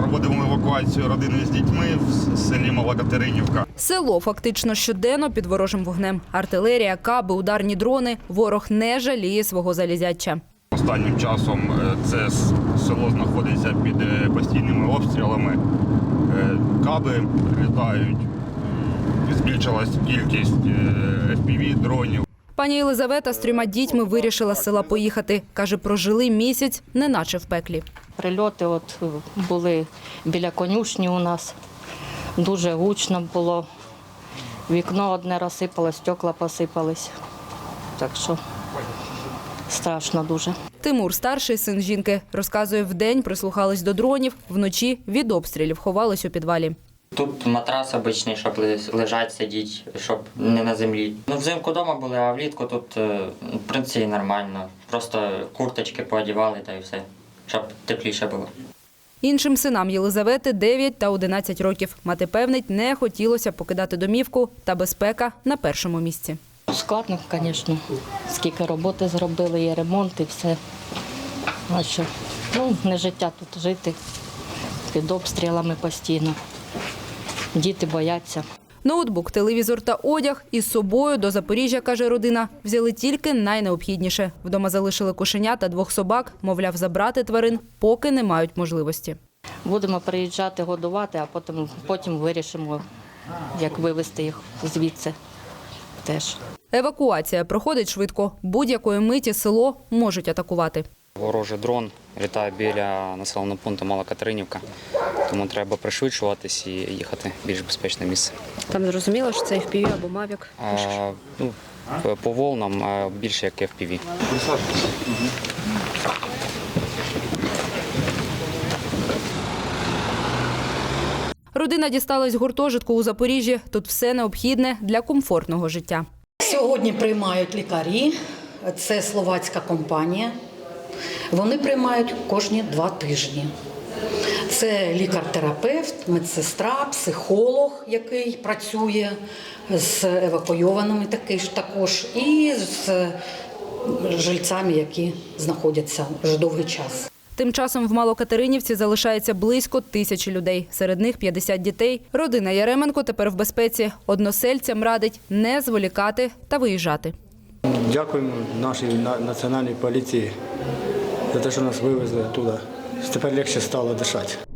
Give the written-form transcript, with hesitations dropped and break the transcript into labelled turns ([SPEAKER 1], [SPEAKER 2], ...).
[SPEAKER 1] Проводимо евакуацію родини з дітьми в селі Мала Катеринівка.
[SPEAKER 2] Село фактично щоденно під ворожим вогнем. Артилерія, каби, ударні дрони. Ворог не жаліє свого залізяча.
[SPEAKER 1] Останнім часом це село знаходиться під постійними обстрілами. Каби прилітають, збільшилась кількість FPV-дронів.
[SPEAKER 2] Пані Єлизавета з 3 дітьми вирішила з села поїхати. Каже, прожили місяць, неначе в пеклі.
[SPEAKER 3] Прильоти були біля конюшні у нас. Дуже гучно було. Вікно одне розсипалось, стекла посипались. Так що страшно дуже.
[SPEAKER 2] Тимур, старший син жінки, розказує, вдень прислухались до дронів, вночі від обстрілів ховались у підвалі.
[SPEAKER 4] Тут матрас обичний, щоб лежать, сидіти, щоб не на землі. Взимку вдома були, а влітку тут, в принципі, нормально. Просто курточки поодівали та й все, щоб тепліше було.
[SPEAKER 2] Іншим синам Єлизавети 9 та 11 років. Мати певнить, не хотілося покидати домівку, та безпека на першому місці.
[SPEAKER 3] Складно, звісно. Скільки роботи зробили, є ремонт і все. А що? Не життя тут жити під обстрілами постійно. Діти бояться.
[SPEAKER 2] Ноутбук, телевізор та одяг із собою до Запоріжжя, каже родина, взяли тільки найнеобхідніше. Вдома залишили кошеня та 2 собак, мовляв, забрати тварин, поки не мають можливості.
[SPEAKER 3] Будемо приїжджати, годувати, а потім вирішимо, як вивезти їх звідси теж.
[SPEAKER 2] Евакуація проходить швидко. Будь-якої миті село можуть атакувати.
[SPEAKER 5] Ворожий дрон літає біля населеного пункту Мала Катеринівка, тому треба пришвидшуватись і їхати в більш безпечне місце.
[SPEAKER 2] Там зрозуміло, що це FPV або Mavic?
[SPEAKER 5] По волнам більше як FPV.
[SPEAKER 2] Родина дісталась гуртожитку у Запоріжжі. Тут все необхідне для комфортного життя.
[SPEAKER 6] Сьогодні приймають лікарі. Це словацька компанія. Вони приймають кожні 2 тижні. Це лікар-терапевт, медсестра, психолог, який працює з евакуйованими також, і з жильцями, які знаходяться вже довгий час.
[SPEAKER 2] Тим часом в Малокатеринівці залишається близько 1000 людей. Серед них 50 дітей. Родина Яременко тепер в безпеці. Односельцям радить не зволікати та виїжджати.
[SPEAKER 7] Дякуємо нашій національній поліції за те, що нас вивезли туди. Тепер легше стало дишати.